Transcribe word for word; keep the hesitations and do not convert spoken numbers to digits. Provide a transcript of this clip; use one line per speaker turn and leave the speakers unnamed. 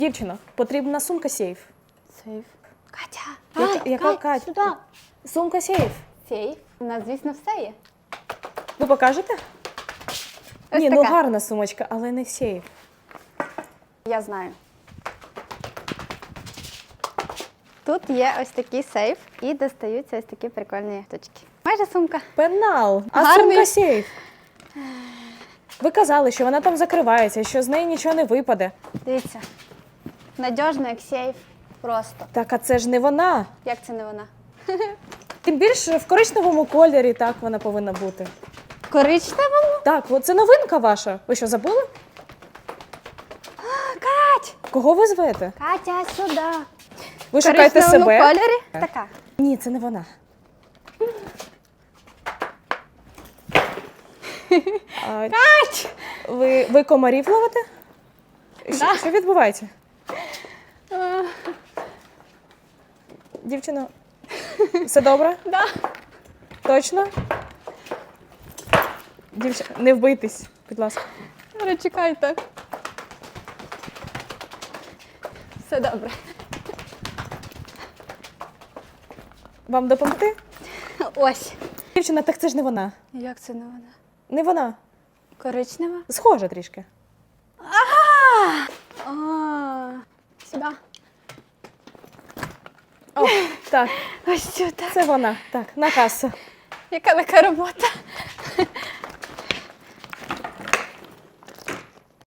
Дівчино, потрібна сумка сейф.
Сейф. Катя!
Яка-
А,
яка
Кать,
Кать?
сюди.
Сумка сейф.
Сейф. У нас, звісно, все є.
Ви покажете?
Ось
Ні, ну
така.
гарна сумочка, але не сейф.
Я знаю. Тут є ось такий сейф і достаються ось такі прикольні штучки. Майже сумка.
Пенал. А
Гарний.
сумка сейф. Ви казали, що вона там закривається, що з неї нічого не випаде.
Дивіться. Надіжно, як сейф. Просто.
Так, а це ж не вона.
Як це не вона?
Тим більше в коричневому кольорі так вона повинна бути.
Коричневому?
Так, от це новинка ваша. Ви що, забули?
Кать!
Кого ви звете?
Катя, сюди.
Ви
В
шукаєте
коричневому
себе?
кольорі? Така.
Ні, це не вона. А,
Кать!
ви, ви комарів ловите? Що,
Да.
що відбувається?
А,
Дівчино, все добре?
да.
Точно? Дівчина, не вбийтесь, будь ласка.
Чекайте. Все добре.
Вам допомогти?
Ось.
Дівчина, так це ж не вона.
Як це не вона?
Не вона.
Коричнева?
Схожа трішки.
А, сюди.
О, так,
Ось сюди.
це вона. Так, на касу.
Яка така робота?